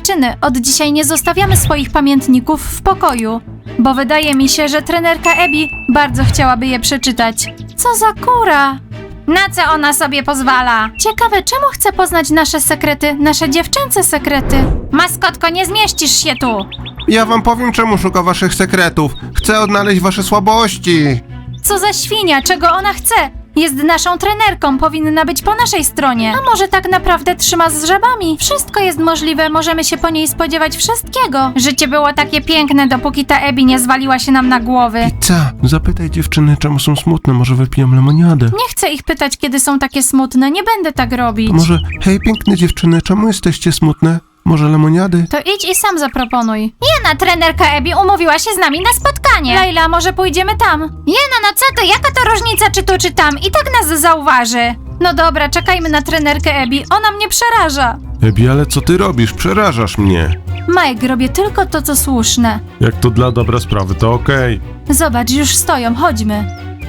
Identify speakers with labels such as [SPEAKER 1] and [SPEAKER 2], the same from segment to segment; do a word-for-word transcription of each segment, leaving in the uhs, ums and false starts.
[SPEAKER 1] Dziewczyny, od dzisiaj nie zostawiamy swoich pamiętników w pokoju, bo wydaje mi się, że trenerka Abby bardzo chciałaby je przeczytać. Co za kura! Na co ona sobie pozwala? Ciekawe, czemu chce poznać nasze sekrety, nasze dziewczęce sekrety? Maskotko, nie zmieścisz się tu!
[SPEAKER 2] Ja wam powiem, czemu szuka waszych sekretów. Chcę odnaleźć wasze słabości.
[SPEAKER 1] Co za świnia, czego ona chce? Jest naszą trenerką, powinna być po naszej stronie. A może tak naprawdę trzyma z żabami? Wszystko jest możliwe, możemy się po niej spodziewać wszystkiego. Życie było takie piękne, dopóki ta Abby nie zwaliła się nam na głowy.
[SPEAKER 2] Pizza, zapytaj dziewczyny, czemu są smutne, może wypiją lemoniadę.
[SPEAKER 1] Nie chcę ich pytać, kiedy są takie smutne, nie będę tak robić.
[SPEAKER 2] To może, hej piękne dziewczyny, czemu jesteście smutne? Może lemoniady?
[SPEAKER 1] To idź i sam zaproponuj. Jena, trenerka Abby umówiła się z nami na spotkanie. Laila, może pójdziemy tam? Jena, no co to, jaka to różnica czy tu czy tam? I tak nas zauważy. No dobra, czekajmy na trenerkę Abby, ona mnie przeraża.
[SPEAKER 2] Ebi, ale co ty robisz? Przerażasz mnie.
[SPEAKER 1] Mike, robię tylko to, co słuszne.
[SPEAKER 2] Jak to dla dobra sprawy, to okej.
[SPEAKER 1] Zobacz, już stoją, chodźmy.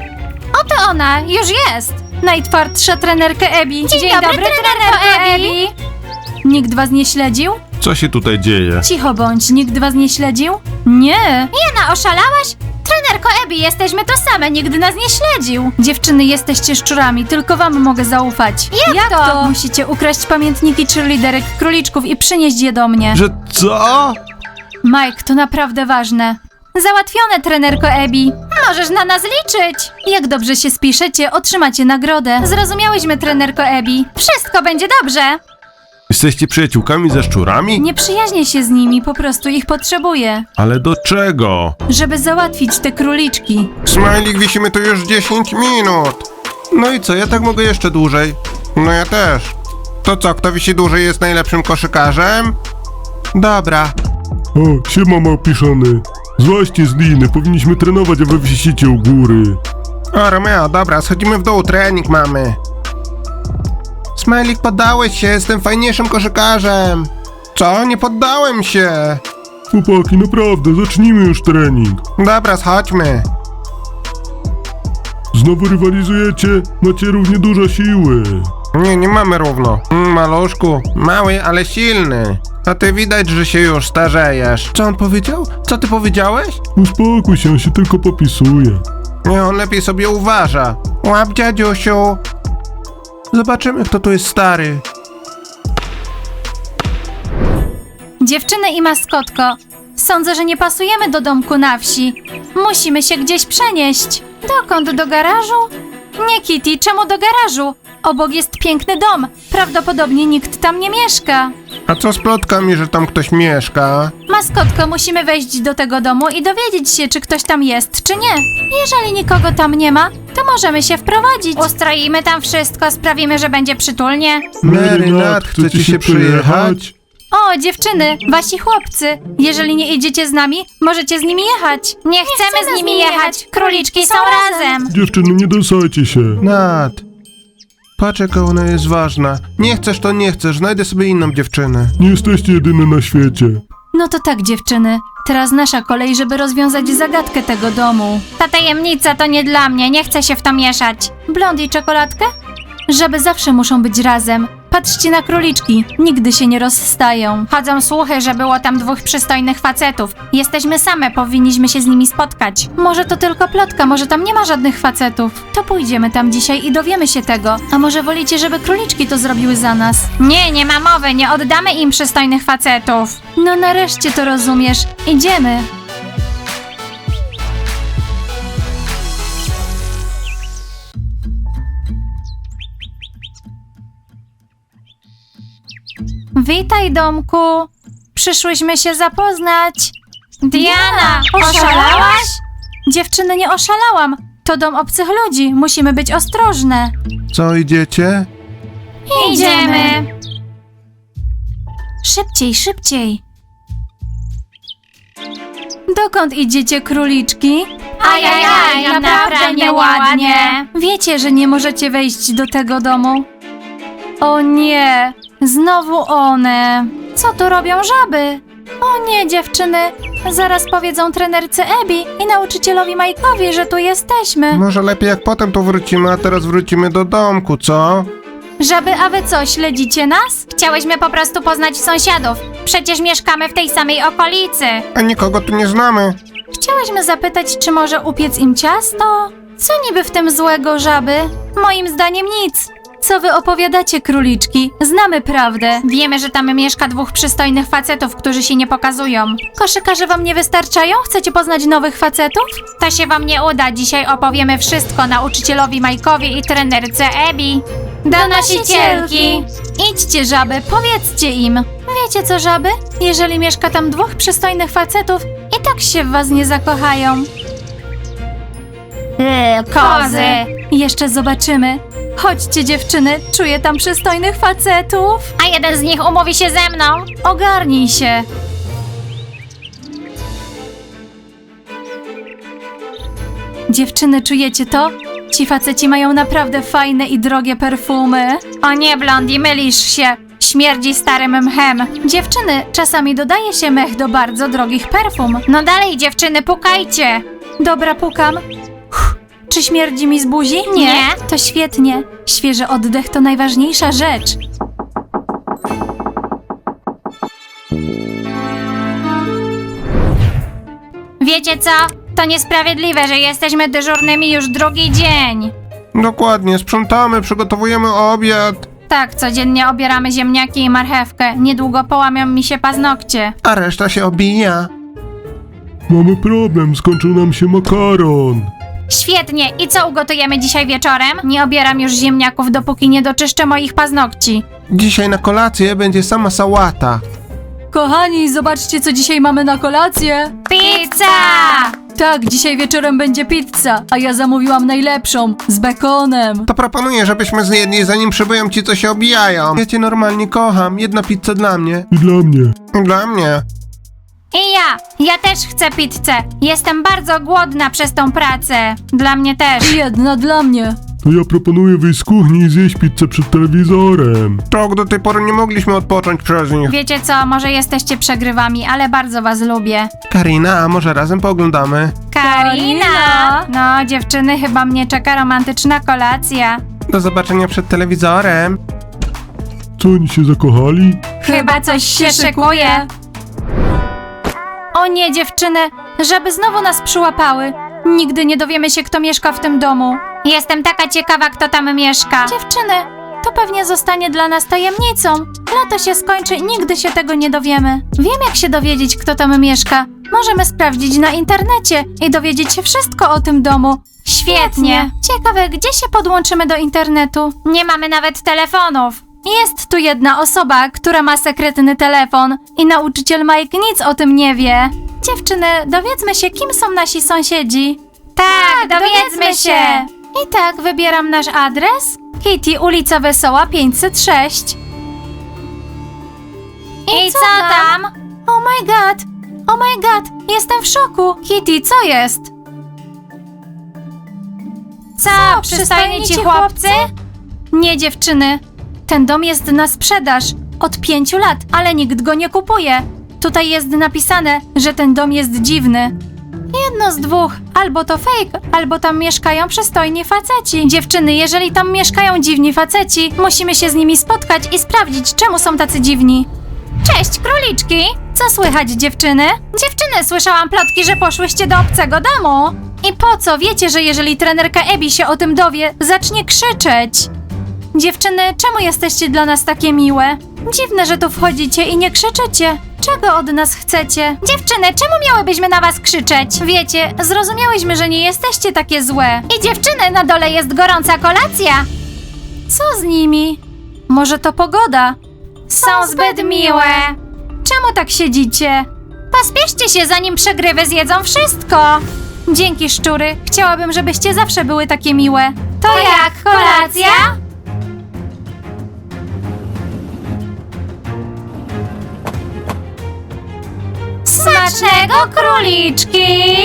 [SPEAKER 1] Oto ona, już jest. Najtwardsza trenerka Abby. Dzień,
[SPEAKER 3] Dzień dobry, trenerko Abby.
[SPEAKER 1] Nikt was nie śledził?
[SPEAKER 2] Co się tutaj dzieje?
[SPEAKER 1] Cicho bądź, nikt was nie śledził? Nie.
[SPEAKER 3] Jena, oszalałaś? Trenerko Abby, jesteśmy to same, nikt nas nie śledził.
[SPEAKER 1] Dziewczyny, jesteście szczurami, tylko wam mogę zaufać.
[SPEAKER 3] Jak to?
[SPEAKER 1] Musicie ukraść pamiętniki cheerleaderek króliczków i przynieść je do mnie.
[SPEAKER 2] Że co?
[SPEAKER 1] Mike, to naprawdę ważne. Załatwione, trenerko Abby.
[SPEAKER 3] Możesz na nas liczyć.
[SPEAKER 1] Jak dobrze się spiszecie, otrzymacie nagrodę. Zrozumiałyśmy, trenerko Abby.
[SPEAKER 3] Wszystko będzie dobrze.
[SPEAKER 2] Jesteście przyjaciółkami ze szczurami?
[SPEAKER 1] Nie przyjaźnię się z nimi, po prostu ich potrzebuję,
[SPEAKER 2] Ale do czego?
[SPEAKER 1] żeby załatwić te króliczki.
[SPEAKER 2] Smajlik, wisimy tu już dziesięć minut. No i co, ja tak mogę jeszcze dłużej? No ja też. To co, kto wisi dłużej jest najlepszym koszykarzem? Dobra.
[SPEAKER 4] O, siema małpiszony. Złaście z liny, powinniśmy trenować, a wy wisicie u góry.
[SPEAKER 2] O, Romeo, dobra, schodzimy w dół, trening mamy. Smajlik, poddałeś się, jestem fajniejszym koszykarzem. Co? Nie poddałem się.
[SPEAKER 4] Chłopaki, naprawdę, zacznijmy już trening.
[SPEAKER 2] Dobra, schodźmy.
[SPEAKER 4] Znowu rywalizujecie? Macie równie dużo siły.
[SPEAKER 2] Nie, nie mamy równo. Mm, maluszku, mały, ale silny. A ty widać, że się już starzejesz. Co on powiedział? Co ty powiedziałeś?
[SPEAKER 4] Uspokój się, on się tylko popisuje.
[SPEAKER 2] Nie, on lepiej sobie uważa. Łap, dziadziusiu. Zobaczymy, kto tu jest stary.
[SPEAKER 1] Dziewczyny i maskotko, sądzę, że nie pasujemy do domku na wsi. Musimy się gdzieś przenieść. Dokąd? Do garażu? Nie, Kitty, czemu do garażu? Obok jest piękny dom. Prawdopodobnie nikt tam nie mieszka.
[SPEAKER 2] A co z plotkami, że tam ktoś mieszka?
[SPEAKER 1] Maskotko, musimy wejść do tego domu i dowiedzieć się, czy ktoś tam jest, czy nie. Jeżeli nikogo tam nie ma, to możemy się wprowadzić.
[SPEAKER 3] Ustroimy tam wszystko, sprawimy, że będzie przytulnie.
[SPEAKER 2] Mary, Nat, chcecie się przyjechać?
[SPEAKER 1] O, dziewczyny, wasi chłopcy. Jeżeli nie idziecie z nami, możecie z nimi jechać.
[SPEAKER 3] Nie chcemy z nimi jechać, króliczki są razem.
[SPEAKER 4] Dziewczyny, nie dosajcie się.
[SPEAKER 2] Nat. Patrz, jaka ona jest ważna. Nie chcesz, to nie chcesz, znajdę sobie inną dziewczynę.
[SPEAKER 4] Nie jesteście jedyne na świecie.
[SPEAKER 1] No to tak, dziewczyny. Teraz nasza kolej, żeby rozwiązać zagadkę tego domu.
[SPEAKER 3] Ta tajemnica to nie dla mnie, nie chcę się w to mieszać.
[SPEAKER 1] Blond i czekoladkę? Żaby zawsze muszą być razem. Patrzcie na króliczki, nigdy się nie rozstają.
[SPEAKER 3] Chodzą słuchy, że było tam dwóch przystojnych facetów. Jesteśmy same, powinniśmy się z nimi spotkać.
[SPEAKER 1] Może to tylko plotka, może tam nie ma żadnych facetów. To pójdziemy tam dzisiaj i dowiemy się tego. A może wolicie, żeby króliczki to zrobiły za nas?
[SPEAKER 3] Nie, nie ma mowy, nie oddamy im przystojnych facetów.
[SPEAKER 1] No nareszcie to rozumiesz. Idziemy. Witaj, domku. Przyszłyśmy się zapoznać.
[SPEAKER 3] Diana, oszalałaś?
[SPEAKER 1] Dziewczyny, nie oszalałam. To dom obcych ludzi. Musimy być ostrożne.
[SPEAKER 2] Co, idziecie?
[SPEAKER 3] Idziemy.
[SPEAKER 1] Szybciej, szybciej. Dokąd idziecie, króliczki?
[SPEAKER 3] Ajajaj, naprawdę nieładnie.
[SPEAKER 1] Wiecie, że nie możecie wejść do tego domu? O nie, znowu one. Co tu robią żaby? O nie, dziewczyny, zaraz powiedzą trenerce Abby i nauczycielowi Mike'owi, że tu jesteśmy.
[SPEAKER 2] Może lepiej jak potem tu wrócimy, a teraz wrócimy do domku, co?
[SPEAKER 1] Żaby, a wy co, śledzicie nas?
[SPEAKER 3] Chciałyśmy po prostu poznać sąsiadów. Przecież mieszkamy w tej samej okolicy.
[SPEAKER 2] A nikogo tu nie znamy.
[SPEAKER 1] Chciałyśmy zapytać, czy może upiec im ciasto? Co niby w tym złego, żaby? Moim zdaniem nic. Co wy opowiadacie, króliczki? Znamy prawdę.
[SPEAKER 3] Wiemy, że tam mieszka dwóch przystojnych facetów, którzy się nie pokazują.
[SPEAKER 1] Koszykarze wam nie wystarczają? Chcecie poznać nowych facetów?
[SPEAKER 3] To się wam nie uda. Dzisiaj opowiemy wszystko nauczycielowi Majkowi i trenerce Ebi. Donosicielki!
[SPEAKER 1] Idźcie, żaby, powiedzcie im. Wiecie co, żaby? Jeżeli mieszka tam dwóch przystojnych facetów, i tak się w was nie zakochają.
[SPEAKER 3] Yy, kozy!
[SPEAKER 1] Jeszcze zobaczymy. Chodźcie, dziewczyny, czuję tam przystojnych facetów.
[SPEAKER 3] A jeden z nich umówi się ze mną.
[SPEAKER 1] Ogarnij się. Dziewczyny, czujecie to? Ci faceci mają naprawdę fajne i drogie perfumy.
[SPEAKER 3] O nie, Blondie, mylisz się. Śmierdzi starym mchem.
[SPEAKER 1] Dziewczyny, czasami dodaje się mech do bardzo drogich perfum.
[SPEAKER 3] No dalej, dziewczyny, pukajcie.
[SPEAKER 1] Dobra, pukam. Uff, czy śmierdzi mi z buzi?
[SPEAKER 3] Nie.
[SPEAKER 1] To świetnie. Świeży oddech to najważniejsza rzecz.
[SPEAKER 3] Wiecie co? To niesprawiedliwe, że jesteśmy dyżurnymi już drugi dzień.
[SPEAKER 2] Dokładnie, sprzątamy, przygotowujemy obiad.
[SPEAKER 3] Tak, codziennie obieramy ziemniaki i marchewkę. Niedługo połamią mi się paznokcie.
[SPEAKER 2] A reszta się obija.
[SPEAKER 4] Mamy problem, skończył nam się makaron.
[SPEAKER 3] Świetnie. I co ugotujemy dzisiaj wieczorem? Nie obieram już ziemniaków, dopóki nie doczyszczę moich paznokci.
[SPEAKER 2] Dzisiaj na kolację będzie sama sałata.
[SPEAKER 1] Kochani, zobaczcie, co dzisiaj mamy na kolację.
[SPEAKER 3] Pizza!
[SPEAKER 1] Tak, dzisiaj wieczorem będzie pizza, a ja zamówiłam najlepszą, z bekonem.
[SPEAKER 2] To proponuję, żebyśmy zjedli, zanim przybyją ci, co się obijają. Ja cię normalnie kocham. Jedna pizza dla mnie.
[SPEAKER 4] I dla mnie.
[SPEAKER 2] I dla mnie.
[SPEAKER 3] I ja. Ja też chcę pizzę. Jestem bardzo głodna przez tą pracę. Dla mnie też.
[SPEAKER 1] Jedna dla mnie.
[SPEAKER 4] To ja proponuję wyjść z kuchni i zjeść pizzę przed telewizorem.
[SPEAKER 2] Tak, do tej pory nie mogliśmy odpocząć przez nich.
[SPEAKER 3] Wiecie co, może jesteście przegrywami, ale bardzo was lubię.
[SPEAKER 2] Karina, a może razem pooglądamy?
[SPEAKER 3] Karina! No, dziewczyny, chyba mnie czeka romantyczna kolacja.
[SPEAKER 2] Do zobaczenia przed telewizorem.
[SPEAKER 4] Co, oni się zakochali?
[SPEAKER 3] Chyba coś się szykuje.
[SPEAKER 1] O nie, dziewczyny, żeby znowu nas przyłapały. Nigdy nie dowiemy się, kto mieszka w tym domu.
[SPEAKER 3] Jestem taka ciekawa, kto tam mieszka.
[SPEAKER 1] Dziewczyny, to pewnie zostanie dla nas tajemnicą. Lato się skończy i nigdy się tego nie dowiemy. Wiem, jak się dowiedzieć, kto tam mieszka. Możemy sprawdzić na internecie i dowiedzieć się wszystko o tym domu.
[SPEAKER 3] Świetnie.
[SPEAKER 1] Ciekawe, gdzie się podłączymy do internetu?
[SPEAKER 3] Nie mamy nawet telefonów.
[SPEAKER 1] Jest tu jedna osoba, która ma sekretny telefon i nauczyciel Mike nic o tym nie wie. Dziewczyny, dowiedzmy się, kim są nasi sąsiedzi.
[SPEAKER 3] Tak, dowiedzmy się.
[SPEAKER 1] I tak, wybieram nasz adres. Kitty, ulica Wesoła pięćset sześć.
[SPEAKER 3] I co tam?
[SPEAKER 1] Oh my god! Oh my god! Jestem w szoku! Kitty, co jest?
[SPEAKER 3] Co, przystojni ci chłopcy?
[SPEAKER 1] Nie, dziewczyny. Ten dom jest na sprzedaż od pięciu lat, ale nikt go nie kupuje. Tutaj jest napisane, że ten dom jest dziwny. Jedno z dwóch. Albo to fake, albo tam mieszkają przystojni faceci. Dziewczyny, jeżeli tam mieszkają dziwni faceci, musimy się z nimi spotkać i sprawdzić, czemu są tacy dziwni.
[SPEAKER 3] Cześć, króliczki.
[SPEAKER 1] Co słychać, dziewczyny?
[SPEAKER 3] Dziewczyny, słyszałam plotki, że poszłyście do obcego domu.
[SPEAKER 1] I po co? Wiecie, że jeżeli trenerka Ebi się o tym dowie, zacznie krzyczeć. Dziewczyny, czemu jesteście dla nas takie miłe? Dziwne, że tu wchodzicie i nie krzyczycie. Czego od nas chcecie?
[SPEAKER 3] Dziewczyny, czemu miałybyśmy na was krzyczeć?
[SPEAKER 1] Wiecie, zrozumiałyśmy, że nie jesteście takie złe.
[SPEAKER 3] I dziewczyny, na dole jest gorąca kolacja.
[SPEAKER 1] Co z nimi? Może to pogoda?
[SPEAKER 3] Są zbyt miłe.
[SPEAKER 1] Czemu tak siedzicie?
[SPEAKER 3] Pospieszcie się, zanim przegrywy zjedzą wszystko.
[SPEAKER 1] Dzięki, szczury. Chciałabym, żebyście zawsze były takie miłe.
[SPEAKER 3] To jak, kolacja? Smacznego, króliczki!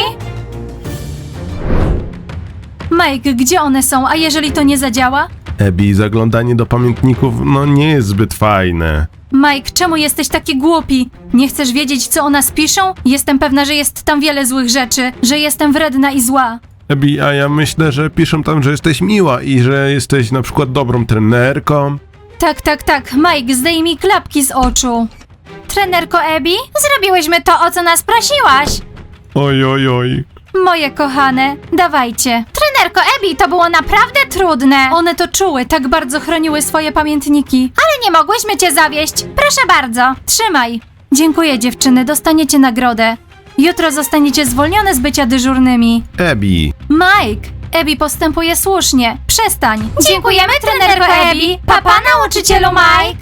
[SPEAKER 1] Mike, gdzie one są? A jeżeli to nie zadziała?
[SPEAKER 4] Ebi, zaglądanie do pamiętników, no nie jest zbyt fajne.
[SPEAKER 1] Mike, czemu jesteś taki głupi? Nie chcesz wiedzieć, co o nas piszą? Jestem pewna, że jest tam wiele złych rzeczy, że jestem wredna i zła.
[SPEAKER 4] Ebi, a ja myślę, że piszą tam, że jesteś miła i że jesteś na przykład dobrą trenerką.
[SPEAKER 1] Tak, tak, tak. Mike, zdejmij klapki z oczu.
[SPEAKER 3] Trenerko Ebi, zrobiłyśmy to, o co nas prosiłaś.
[SPEAKER 4] Oj, oj, oj.
[SPEAKER 1] Moje kochane, dawajcie.
[SPEAKER 3] Trenerko Ebi, to było naprawdę trudne.
[SPEAKER 1] One to czuły, tak bardzo chroniły swoje pamiętniki.
[SPEAKER 3] Ale nie mogłyśmy cię zawieść. Proszę bardzo.
[SPEAKER 1] Trzymaj. Dziękuję dziewczyny, dostaniecie nagrodę. Jutro zostaniecie zwolnione z bycia dyżurnymi.
[SPEAKER 2] Ebi.
[SPEAKER 1] Mike, Ebi postępuje słusznie. Przestań.
[SPEAKER 3] Dziękujemy, trenerko Ebi. Papa, nauczycielu Mike.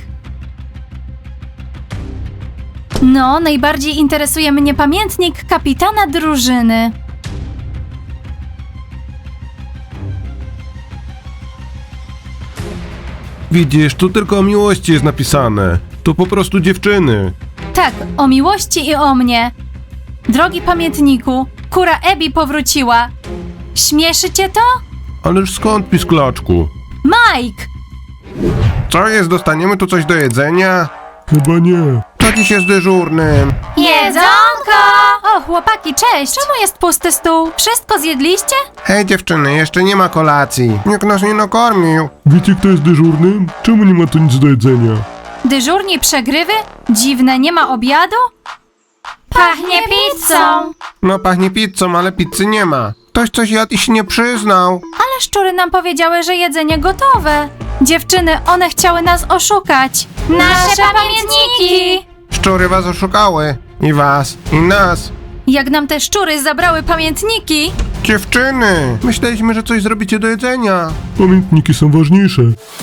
[SPEAKER 1] No, najbardziej interesuje mnie pamiętnik kapitana drużyny.
[SPEAKER 2] Widzisz, tu tylko o miłości jest napisane. To po prostu dziewczyny.
[SPEAKER 1] Tak, o miłości i o mnie. Drogi pamiętniku, kura Ebi powróciła. Śmieszy cię to?
[SPEAKER 2] Ależ skąd, pisklaczku?
[SPEAKER 1] Mike!
[SPEAKER 2] Co jest, dostaniemy tu coś do jedzenia?
[SPEAKER 4] Chyba nie.
[SPEAKER 2] Co dziś jest dyżurnym?
[SPEAKER 3] Jedzonko!
[SPEAKER 1] O, chłopaki, cześć! Czemu jest pusty stół? Wszystko zjedliście?
[SPEAKER 2] Hej dziewczyny, jeszcze nie ma kolacji. Nikt nas nie nakarmił.
[SPEAKER 4] Wiecie, kto jest dyżurnym? Czemu nie ma tu nic do jedzenia?
[SPEAKER 1] Dyżurni przegrywy? Dziwne, nie ma obiadu?
[SPEAKER 3] Pachnie pizzą.
[SPEAKER 2] No pachnie pizzą, ale pizzy nie ma. Ktoś coś jadł i się nie przyznał.
[SPEAKER 1] Ale szczury nam powiedziały, że jedzenie gotowe. Dziewczyny, one chciały nas oszukać.
[SPEAKER 3] Nasze pamiętniki.
[SPEAKER 2] Szczury was oszukały. I was, i nas.
[SPEAKER 1] Jak nam te szczury zabrały pamiętniki,
[SPEAKER 2] Dziewczyny! Myśleliśmy, że coś zrobicie do jedzenia.
[SPEAKER 4] Pamiętniki są ważniejsze.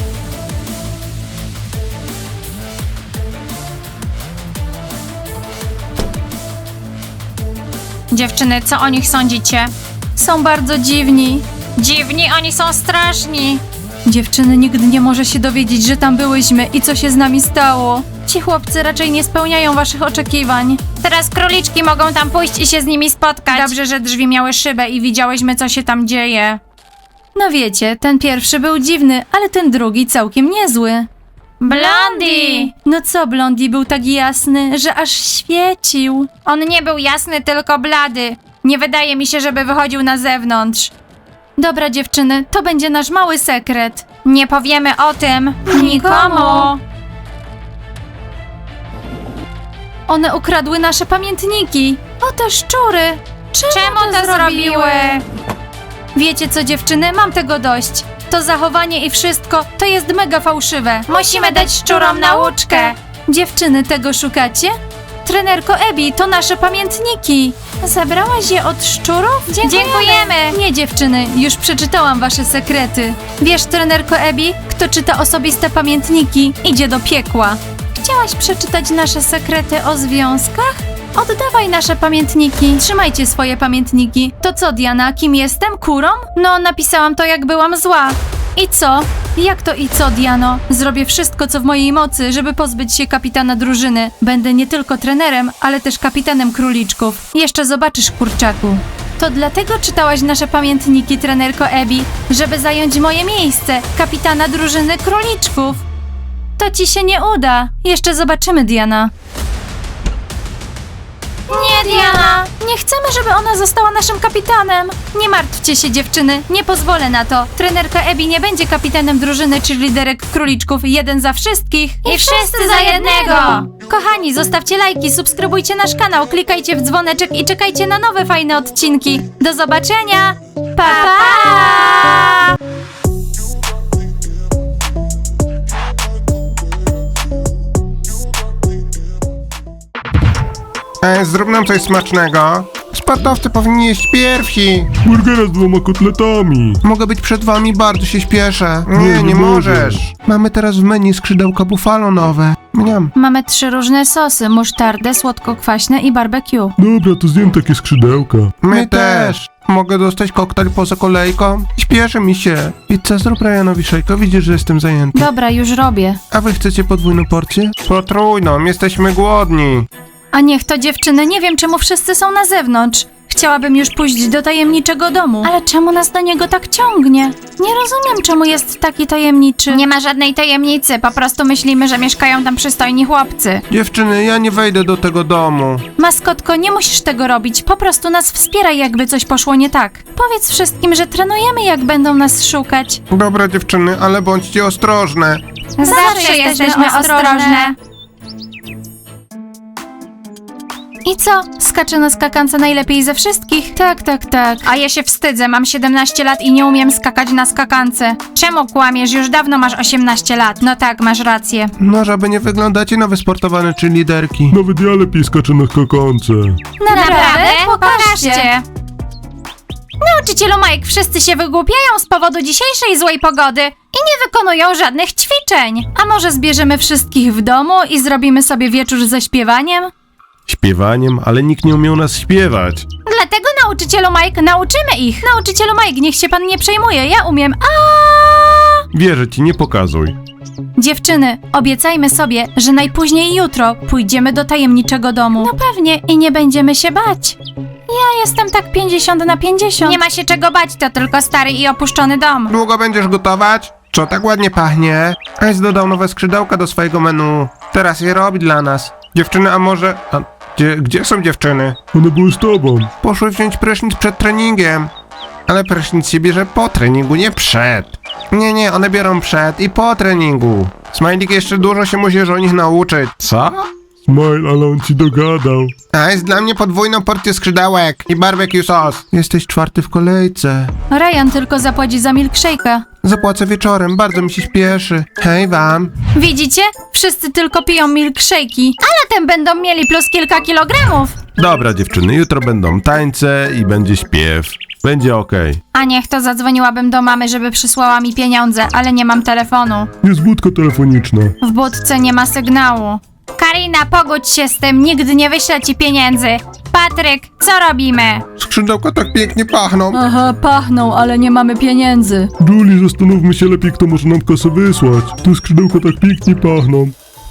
[SPEAKER 3] Dziewczyny, co o nich sądzicie?
[SPEAKER 1] są bardzo dziwni.
[SPEAKER 3] Dziwni, oni są straszni.
[SPEAKER 1] Dziewczyny, nikt nie może się dowiedzieć, że tam byłyśmy i co się z nami stało. Ci chłopcy raczej nie spełniają waszych oczekiwań.
[SPEAKER 3] Teraz króliczki mogą tam pójść i się z nimi spotkać. Dobrze, że drzwi miały szybę i widziałyśmy, co się tam dzieje.
[SPEAKER 1] No wiecie, ten pierwszy był dziwny, ale ten drugi całkiem niezły.
[SPEAKER 3] Blondie!
[SPEAKER 1] No co, Blondie był tak jasny, że aż świecił.
[SPEAKER 3] On nie był jasny, tylko blady. Nie wydaje mi się, żeby wychodził na zewnątrz.
[SPEAKER 1] Dobra dziewczyny, to będzie nasz mały sekret.
[SPEAKER 3] Nie powiemy o tym nikomu.
[SPEAKER 1] One ukradły nasze pamiętniki. O te szczury! Czemu,
[SPEAKER 3] Czemu to zrobiły?
[SPEAKER 1] Wiecie co dziewczyny, mam tego dość. To zachowanie i wszystko to jest mega fałszywe.
[SPEAKER 3] Musimy dać szczurom nauczkę.
[SPEAKER 1] Dziewczyny, tego szukacie? Trenerko Ebi, to nasze pamiętniki. Zabrałaś je od szczurów?
[SPEAKER 3] Dziękujemy.
[SPEAKER 1] Nie dziewczyny, już przeczytałam wasze sekrety. Wiesz, trenerko Ebi, kto czyta osobiste pamiętniki, idzie do piekła. Chciałaś przeczytać nasze sekrety o związkach? Oddawaj nasze pamiętniki. Trzymajcie swoje pamiętniki. To co, Diana, kim jestem? Kurą? No, napisałam to, jak byłam zła. I co? Jak to i co, Diano? Zrobię wszystko, co w mojej mocy, żeby pozbyć się kapitana drużyny. Będę nie tylko trenerem, ale też kapitanem króliczków. Jeszcze zobaczysz, kurczaku. To dlatego czytałaś nasze pamiętniki, trenerko Ebi, żeby zająć moje miejsce, kapitana drużyny króliczków. To ci się nie uda. Jeszcze zobaczymy, Diana.
[SPEAKER 3] Nie, Diana.
[SPEAKER 1] Nie chcemy, żeby ona została naszym kapitanem. Nie martwcie się, dziewczyny, nie pozwolę na to. Trenerka Ebi nie będzie kapitanem drużyny cheerleaderek króliczków jeden za wszystkich.
[SPEAKER 3] I wszyscy za jednego.
[SPEAKER 1] Kochani, zostawcie lajki, subskrybujcie nasz kanał, klikajcie w dzwoneczek i czekajcie na nowe fajne odcinki. Do zobaczenia! Pa, pa!
[SPEAKER 2] Ej, zrób nam coś smacznego. Sportowcy powinni jeść pierwsi.
[SPEAKER 4] Burgera z dwoma kotletami.
[SPEAKER 2] Mogę być przed wami, bardzo się śpieszę. Nie,
[SPEAKER 4] Nie,
[SPEAKER 2] nie,
[SPEAKER 4] nie
[SPEAKER 2] możesz.
[SPEAKER 4] możesz.
[SPEAKER 2] Mamy teraz w menu skrzydełka buffalo nowe. Mniam.
[SPEAKER 1] Mamy trzy różne sosy, musztardę, słodko-kwaśne i barbecue.
[SPEAKER 4] Dobra, to zjem takie skrzydełka.
[SPEAKER 2] My też. Mogę dostać koktajl poza kolejką? Śpieszy mi się. Pizza, zrób Ryanowi szejko, widzisz, że jestem zajęty.
[SPEAKER 1] Dobra, już robię.
[SPEAKER 2] A wy chcecie podwójną porcję? Potrójną, jesteśmy głodni.
[SPEAKER 1] A niech to dziewczyny, nie wiem czemu wszyscy są na zewnątrz. Chciałabym już pójść do tajemniczego domu. Ale czemu nas do niego tak ciągnie? Nie rozumiem, czemu jest taki tajemniczy.
[SPEAKER 3] Nie ma żadnej tajemnicy, po prostu myślimy, że mieszkają tam przystojni chłopcy.
[SPEAKER 2] Dziewczyny, ja nie wejdę do tego domu.
[SPEAKER 1] Maskotko, nie musisz tego robić. Po prostu nas wspieraj, jakby coś poszło nie tak. Powiedz wszystkim, że trenujemy, jak będą nas szukać.
[SPEAKER 2] Dobra dziewczyny, ale bądźcie ostrożne.
[SPEAKER 3] Zawsze jesteśmy ostrożne.
[SPEAKER 1] I co? Skaczę na skakance najlepiej ze wszystkich? Tak, tak, tak.
[SPEAKER 3] A ja się wstydzę, mam siedemnaście lat i nie umiem skakać na skakance. Czemu kłamiesz? Już dawno masz osiemnaście lat. No tak, masz rację.
[SPEAKER 2] No, żeby nie wyglądacie na wysportowane czy liderki.
[SPEAKER 4] Nawet ja lepiej skaczę na skakance.
[SPEAKER 1] Naprawdę?
[SPEAKER 3] Pokażcie. Nauczycielu Mike, wszyscy się wygłupiają z powodu dzisiejszej złej pogody i nie wykonują żadnych ćwiczeń.
[SPEAKER 1] A może zbierzemy wszystkich w domu i zrobimy sobie wieczór ze śpiewaniem?
[SPEAKER 4] Śpiewaniem, ale nikt nie umiał nas śpiewać.
[SPEAKER 3] Dlatego nauczycielu Mike nauczymy ich.
[SPEAKER 1] Nauczycielu Mike, niech się pan nie przejmuje, ja umiem. A!
[SPEAKER 4] Wierzę ci, nie pokazuj.
[SPEAKER 1] Dziewczyny, obiecajmy sobie, że najpóźniej jutro pójdziemy do tajemniczego domu. No pewnie i nie będziemy się bać. Ja jestem tak pięćdziesiąt na pięćdziesiąt.
[SPEAKER 3] Nie ma się czego bać, to tylko stary i opuszczony dom.
[SPEAKER 2] Długo będziesz gotować? Co tak ładnie pachnie? Ice dodał nowe skrzydełka do swojego menu. Teraz je robi dla nas. Dziewczyny, a może... A, gdzie, gdzie są dziewczyny?
[SPEAKER 4] One były z tobą.
[SPEAKER 2] Poszły wziąć prysznic przed treningiem. Ale prysznic się bierze po treningu, nie przed. Nie, nie, one biorą przed i po treningu. Smajlik jeszcze dużo się musisz o nich nauczyć. Co?
[SPEAKER 4] Smile, ale on ci dogadał.
[SPEAKER 2] A jest dla mnie podwójną porcję skrzydełek i barbecue sos. Jesteś czwarty w kolejce.
[SPEAKER 1] Ryan tylko zapłaci za milkshake'a.
[SPEAKER 2] Zapłacę wieczorem, bardzo mi się śpieszy. Hej wam.
[SPEAKER 1] Widzicie? Wszyscy tylko piją milkshake'i.
[SPEAKER 3] Latem będą mieli plus kilka kilogramów.
[SPEAKER 4] Dobra dziewczyny, jutro będą tańce i będzie śpiew. Będzie okej.
[SPEAKER 3] A niech to zadzwoniłabym do mamy, żeby przysłała mi pieniądze, ale nie mam telefonu.
[SPEAKER 4] Jest budka telefoniczna.
[SPEAKER 3] W budce nie ma sygnału. Karina, pogódź się z tym, nigdy nie wyślę ci pieniędzy. Patryk, co robimy?
[SPEAKER 2] Skrzydełka tak pięknie pachną.
[SPEAKER 1] Aha, pachną, ale nie mamy pieniędzy.
[SPEAKER 4] Julie, zastanówmy się lepiej, kto może nam kasę wysłać. Te skrzydełka tak pięknie pachną.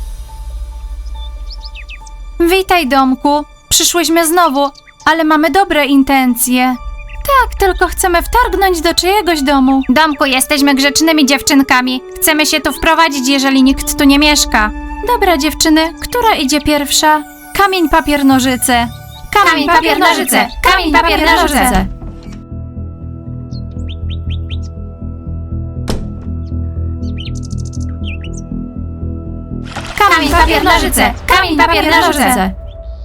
[SPEAKER 1] Witaj, domku. Przyszłyśmy znowu, ale mamy dobre intencje. Tak, tylko chcemy wtargnąć do czyjegoś domu.
[SPEAKER 3] Domku, jesteśmy grzecznymi dziewczynkami. Chcemy się tu wprowadzić, jeżeli nikt tu nie mieszka.
[SPEAKER 1] Dobra, dziewczyny, która idzie pierwsza? Kamień, papier, nożyce.
[SPEAKER 3] Kamień, papier, nożyce. Kamień, papier, nożyce. Kamień, papier, nożyce. Kamień, papier, nożyce.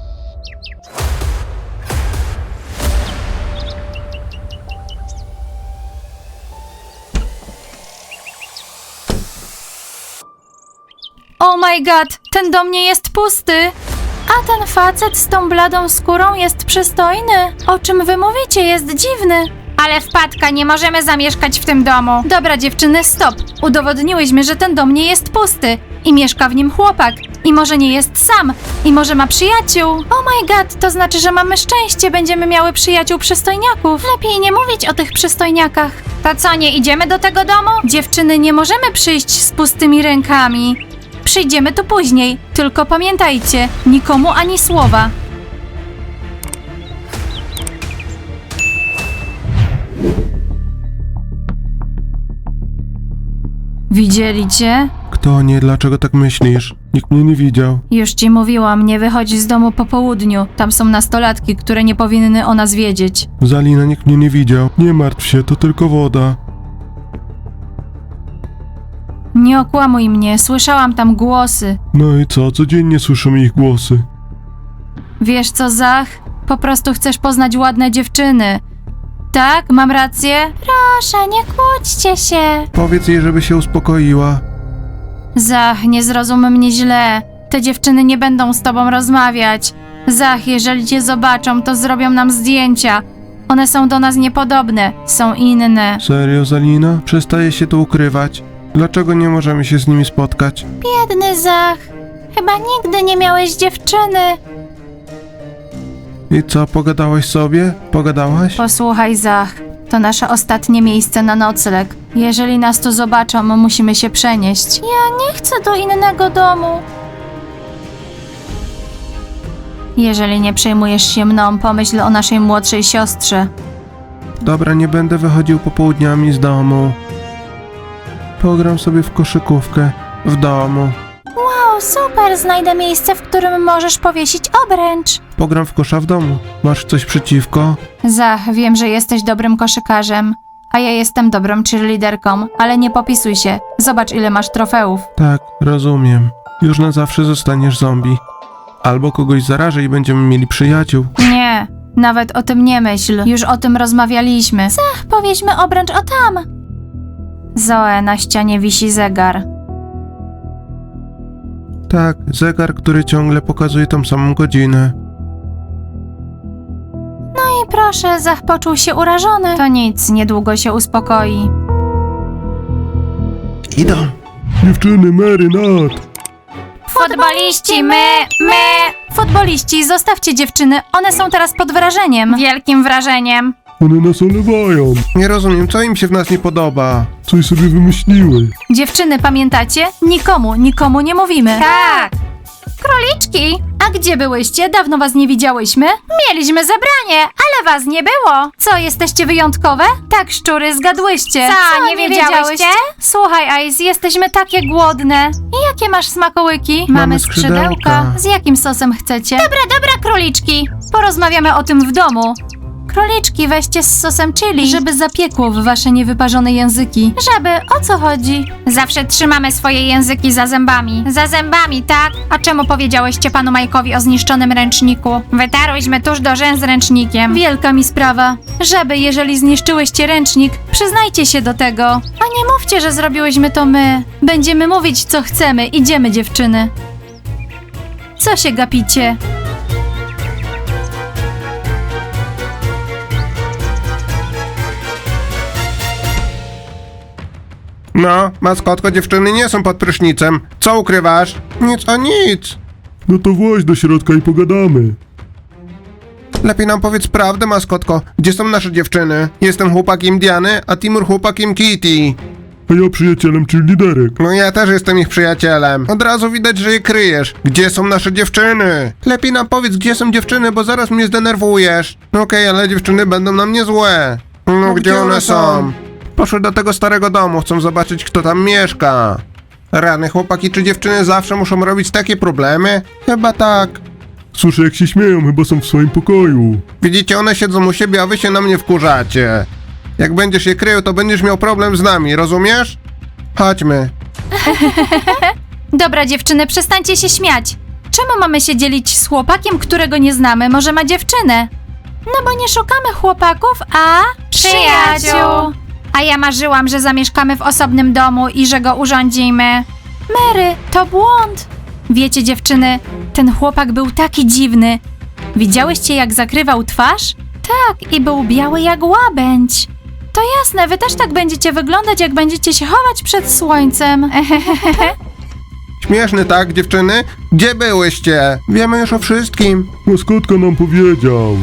[SPEAKER 1] Oh my god, ten dom nie jest pusty. A ten facet z tą bladą skórą jest przystojny. O czym wy mówicie? Jest dziwny.
[SPEAKER 3] Ale wpadka, nie możemy zamieszkać w tym domu.
[SPEAKER 1] Dobra, dziewczyny, stop. Udowodniłyśmy, że ten dom nie jest pusty. I mieszka w nim chłopak. I może nie jest sam. I może ma przyjaciół. Oh my god, to znaczy, że mamy szczęście. Będziemy miały przyjaciół przystojniaków. Lepiej nie mówić o tych przystojniakach.
[SPEAKER 3] To co, nie idziemy do tego domu?
[SPEAKER 1] Dziewczyny, nie możemy przyjść z pustymi rękami. Przyjdziemy tu później. Tylko pamiętajcie, nikomu ani słowa. Widzieli cię?
[SPEAKER 2] Kto nie? Dlaczego tak myślisz?
[SPEAKER 4] Nikt mnie nie widział.
[SPEAKER 1] Już ci mówiłam, nie wychodź z domu po południu. Tam są nastolatki, które nie powinny o nas wiedzieć.
[SPEAKER 4] Zalina, nikt mnie nie widział. Nie martw się, to tylko woda.
[SPEAKER 1] Nie okłamuj mnie, słyszałam tam głosy.
[SPEAKER 4] No i co? Codziennie słyszymy ich głosy.
[SPEAKER 1] Wiesz co, Zach? Po prostu chcesz poznać ładne dziewczyny. Tak? Mam rację?
[SPEAKER 3] Proszę, nie kłóćcie się.
[SPEAKER 2] Powiedz jej, żeby się uspokoiła.
[SPEAKER 1] Zach, nie zrozum mnie źle. Te dziewczyny nie będą z tobą rozmawiać. Zach, jeżeli cię zobaczą, to zrobią nam zdjęcia. One są do nas niepodobne, są inne.
[SPEAKER 2] Serio, Zalina? Przestaje się tu ukrywać. Dlaczego nie możemy się z nimi spotkać?
[SPEAKER 3] Biedny Zach. Chyba nigdy nie miałeś dziewczyny.
[SPEAKER 2] I co, pogadałaś sobie? Pogadałaś?
[SPEAKER 1] Posłuchaj, Zach, to nasze ostatnie miejsce na nocleg. Jeżeli nas tu zobaczą, musimy się przenieść.
[SPEAKER 3] Ja nie chcę do innego domu.
[SPEAKER 1] Jeżeli nie przejmujesz się mną, pomyśl o naszej młodszej siostrze.
[SPEAKER 2] Dobra, nie będę wychodził popołudniami z domu. Pogram sobie w koszykówkę w domu.
[SPEAKER 3] O, super, znajdę miejsce, w którym możesz powiesić obręcz.
[SPEAKER 2] Pogram w kosza w domu. Masz coś przeciwko?
[SPEAKER 1] Zach, wiem, że jesteś dobrym koszykarzem, A ja jestem dobrą cheerleaderką, ale nie popisuj się. Zobacz, ile masz trofeów.
[SPEAKER 2] Tak, rozumiem. Już na zawsze zostaniesz zombie. Albo kogoś zarażę i będziemy mieli przyjaciół.
[SPEAKER 1] Nie, nawet o tym nie myśl. Już o tym rozmawialiśmy.
[SPEAKER 3] Ach, powieźmy obręcz o tam.
[SPEAKER 1] Zoe, na ścianie wisi zegar.
[SPEAKER 2] Tak, zegar, który ciągle pokazuje tą samą godzinę.
[SPEAKER 3] I proszę, Zach poczuł się urażony.
[SPEAKER 1] To nic, niedługo się uspokoi.
[SPEAKER 2] Idą.
[SPEAKER 4] Dziewczyny, Mary, Nat.
[SPEAKER 3] Futboliści, my, my.
[SPEAKER 1] Futboliści, zostawcie dziewczyny, one są teraz pod wrażeniem.
[SPEAKER 3] Wielkim wrażeniem.
[SPEAKER 4] One nas olewają.
[SPEAKER 2] Nie rozumiem, co im się w nas nie podoba.
[SPEAKER 4] Coś sobie wymyśliły.
[SPEAKER 1] Dziewczyny, pamiętacie? Nikomu, nikomu nie mówimy.
[SPEAKER 3] Tak. Króliczki,
[SPEAKER 1] A gdzie byłyście? Dawno was nie widziałyśmy.
[SPEAKER 3] mieliśmy zebranie, ale was nie było.
[SPEAKER 1] Co, jesteście wyjątkowe? Tak, szczury, zgadłyście.
[SPEAKER 3] Co, nie wiedziałyście?
[SPEAKER 1] Słuchaj, Ice, jesteśmy takie głodne. I jakie masz smakołyki?
[SPEAKER 2] Mamy skrzydełka.
[SPEAKER 1] Z jakim sosem chcecie?
[SPEAKER 3] Dobra, dobra, króliczki.
[SPEAKER 1] Porozmawiamy o tym w domu. Króliczki, weźcie z sosem chili, żeby zapiekło w wasze niewyparzone języki.
[SPEAKER 3] Żaby, o co chodzi? Zawsze trzymamy swoje języki za zębami. Za zębami, tak? A czemu powiedziałyście panu Majkowi o zniszczonym ręczniku? Wytarłyśmy tuż do rzęs ręcznikiem.
[SPEAKER 1] Wielka mi sprawa. Żaby, jeżeli zniszczyłyście ręcznik, przyznajcie się do tego. A nie mówcie, że zrobiłyśmy to my. Będziemy mówić, co chcemy. Idziemy, dziewczyny. Co się gapicie?
[SPEAKER 2] No, maskotko, dziewczyny nie są pod prysznicem. Co ukrywasz? Nic, a nic.
[SPEAKER 4] No to właź do środka i pogadamy.
[SPEAKER 2] Lepiej nam powiedz prawdę, maskotko. Gdzie są nasze dziewczyny? Jestem chłopakiem Diany, a Timur chłopakiem Kitty.
[SPEAKER 4] A ja przyjacielem cheerleaderek.
[SPEAKER 2] No ja też jestem ich przyjacielem. Od razu widać, że je kryjesz. Gdzie są nasze dziewczyny? Lepiej nam powiedz, gdzie są dziewczyny, bo zaraz mnie zdenerwujesz. No okej, ale dziewczyny będą na mnie złe. No, gdzie one są? Poszły do tego starego domu, chcą zobaczyć, kto tam mieszka. Rany, chłopaki czy dziewczyny zawsze muszą robić takie problemy? Chyba tak.
[SPEAKER 4] Słyszę, jak się śmieją, chyba są w swoim pokoju.
[SPEAKER 2] Widzicie, one siedzą u siebie, a wy się na mnie wkurzacie. Jak będziesz je krył, to będziesz miał problem z nami, rozumiesz? Chodźmy.
[SPEAKER 1] Dobra, dziewczyny, przestańcie się śmiać. Czemu mamy się dzielić z chłopakiem, którego nie znamy? Może ma dziewczynę?
[SPEAKER 3] No bo nie szukamy chłopaków, a
[SPEAKER 1] Przyjaciół.
[SPEAKER 3] A ja marzyłam, że zamieszkamy w osobnym domu i że go urządzimy.
[SPEAKER 1] Mary, to błąd. Wiecie, dziewczyny, ten chłopak był taki dziwny. Widziałyście, jak zakrywał twarz? Tak, i był biały jak łabędź. To jasne, wy też tak będziecie wyglądać, jak będziecie się chować przed słońcem.
[SPEAKER 2] Śmieszny, tak, dziewczyny? Gdzie byłyście? Wiemy już o wszystkim.
[SPEAKER 4] Maskotka nam powiedział.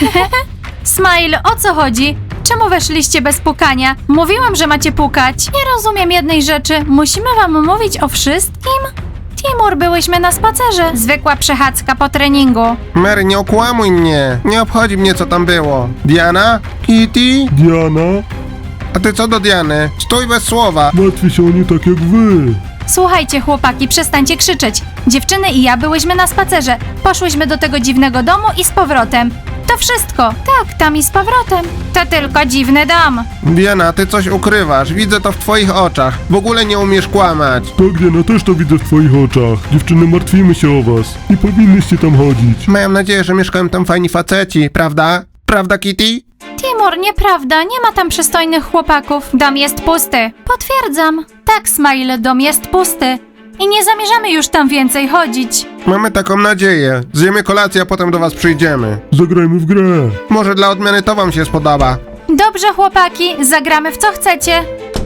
[SPEAKER 1] Smile, o co chodzi? Czemu weszliście bez pukania? Mówiłam, że macie pukać. Nie rozumiem jednej rzeczy. Musimy wam mówić o wszystkim? Timur, byłyśmy na spacerze.
[SPEAKER 3] Zwykła przechadzka po treningu.
[SPEAKER 2] Mary, nie okłamuj mnie. Nie obchodzi mnie, co tam było. Diana? Kitty?
[SPEAKER 4] Diana,
[SPEAKER 2] A ty co do Diany? Stój bez słowa.
[SPEAKER 4] martwię się o nie tak jak wy.
[SPEAKER 1] Słuchajcie, chłopaki, przestańcie krzyczeć. Dziewczyny i ja byłyśmy na spacerze. Poszłyśmy do tego dziwnego domu i z powrotem. To wszystko. Tak, tam i z powrotem.
[SPEAKER 3] To tylko dziwny dom.
[SPEAKER 2] Diana, ty coś ukrywasz. Widzę to w twoich oczach. W ogóle nie umiesz kłamać.
[SPEAKER 4] Tak, Diana, też to widzę w twoich oczach. Dziewczyny, martwimy się o was. Nie powinnyście tam chodzić.
[SPEAKER 2] Mam nadzieję, że mieszkają tam fajni faceci, prawda? Prawda, Kitty?
[SPEAKER 1] Timur, nieprawda, nie ma tam przystojnych chłopaków.
[SPEAKER 3] Dom jest pusty.
[SPEAKER 1] Potwierdzam. Tak, Smile, dom jest pusty. I nie zamierzamy już tam więcej chodzić.
[SPEAKER 2] Mamy taką nadzieję. Zjemy kolację, a potem do was przyjdziemy.
[SPEAKER 4] Zagrajmy w grę.
[SPEAKER 2] Może dla odmiany to wam się spodoba.
[SPEAKER 1] Dobrze, chłopaki, zagramy w co chcecie.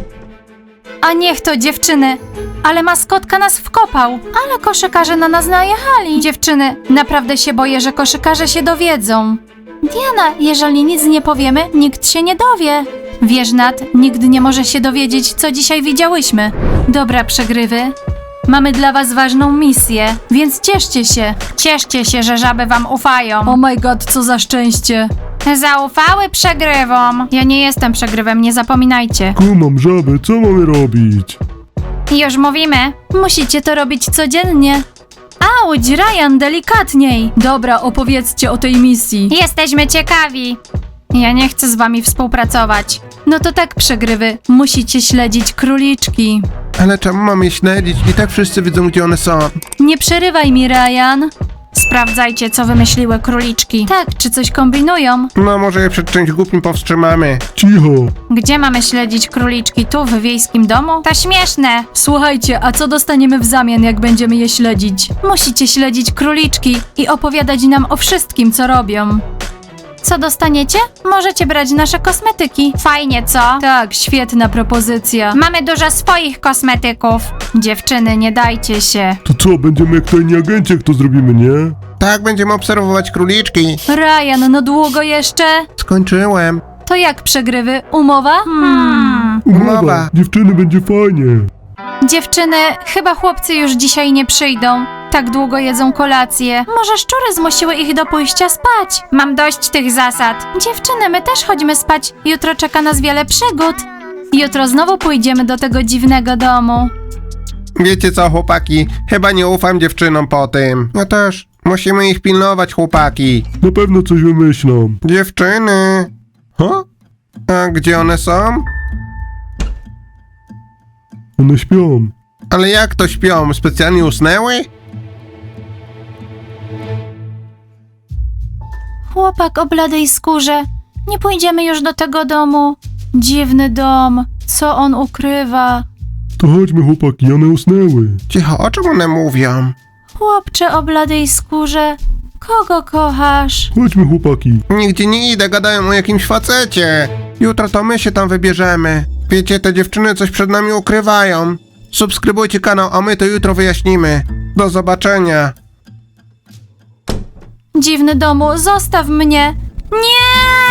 [SPEAKER 1] A niech to, dziewczyny. Ale maskotka nas wkopał. Ale koszykarze na nas najechali. Dziewczyny, naprawdę się boję, że koszykarze się dowiedzą. Diana, jeżeli nic nie powiemy, nikt się nie dowie. Wiesz, Nat, nikt nie może się dowiedzieć, co dzisiaj widziałyśmy. Dobra, przegrywy. Mamy dla was ważną misję, więc cieszcie się.
[SPEAKER 3] Cieszcie się, że żaby wam ufają.
[SPEAKER 1] Oh my god, co za szczęście.
[SPEAKER 3] Zaufały przegrywom.
[SPEAKER 1] Ja nie jestem przegrywem, nie zapominajcie.
[SPEAKER 4] Kumam, żaby, co mamy robić?
[SPEAKER 3] Już mówimy.
[SPEAKER 1] Musicie to robić codziennie. Auć, Ryan, delikatniej. Dobra, opowiedzcie o tej misji.
[SPEAKER 3] Jesteśmy ciekawi.
[SPEAKER 1] Ja nie chcę z wami współpracować. No to tak, przegrywy. Musicie śledzić króliczki.
[SPEAKER 2] Ale czemu mamy je śledzić? I tak wszyscy widzą, gdzie one są.
[SPEAKER 1] Nie przerywaj mi, Ryan.
[SPEAKER 3] Sprawdzajcie, co wymyśliły króliczki.
[SPEAKER 1] Tak, czy coś kombinują?
[SPEAKER 2] No może je przed czymś głupim powstrzymamy.
[SPEAKER 4] Cicho.
[SPEAKER 3] Gdzie mamy śledzić króliczki? Tu, w wiejskim domu? To śmieszne.
[SPEAKER 1] Słuchajcie, a co dostaniemy w zamian, jak będziemy je śledzić? Musicie śledzić króliczki i opowiadać nam o wszystkim, co robią. Co dostaniecie? Możecie brać nasze kosmetyki.
[SPEAKER 3] Fajnie, co?
[SPEAKER 1] Tak, świetna propozycja.
[SPEAKER 3] Mamy dużo swoich kosmetyków.
[SPEAKER 1] Dziewczyny, nie dajcie się.
[SPEAKER 4] To co, będziemy jak tajni agenci, jak to zrobimy, nie?
[SPEAKER 2] Tak, będziemy obserwować króliczki.
[SPEAKER 1] Ryan, no długo jeszcze?
[SPEAKER 2] Skończyłem.
[SPEAKER 1] To jak przegrywy? Umowa?
[SPEAKER 3] Hmm.
[SPEAKER 2] Umowa.
[SPEAKER 4] Dziewczyny, będzie fajnie.
[SPEAKER 1] Dziewczyny, chyba chłopcy już dzisiaj nie przyjdą. Tak długo jedzą kolację. Może szczury zmusiły ich do pójścia spać.
[SPEAKER 3] Mam dość tych zasad.
[SPEAKER 1] Dziewczyny, my też chodźmy spać. Jutro czeka nas wiele przygód. Jutro znowu pójdziemy do tego dziwnego domu.
[SPEAKER 2] Wiecie co, chłopaki? Chyba nie ufam dziewczynom po tym. Ja też. Musimy ich pilnować, chłopaki.
[SPEAKER 4] Na pewno coś wymyślą.
[SPEAKER 2] Dziewczyny. Ho? A gdzie one są?
[SPEAKER 4] One śpią.
[SPEAKER 2] Ale jak to śpią? Specjalnie usnęły?
[SPEAKER 1] Chłopak o bladej skórze. Nie pójdziemy już do tego domu. Dziwny dom. Co on ukrywa?
[SPEAKER 4] To chodźmy, chłopaki, one usnęły.
[SPEAKER 2] Cicho, o czym one mówią?
[SPEAKER 1] Chłopcze o bladej skórze. Kogo kochasz?
[SPEAKER 4] Chodźmy, chłopaki.
[SPEAKER 2] Nigdzie nie idę, gadają o jakimś facecie. Jutro to my się tam wybierzemy. Wiecie, te dziewczyny coś przed nami ukrywają. Subskrybujcie kanał, a my to jutro wyjaśnimy. Do zobaczenia.
[SPEAKER 1] Dziwny domu, zostaw mnie. Nie!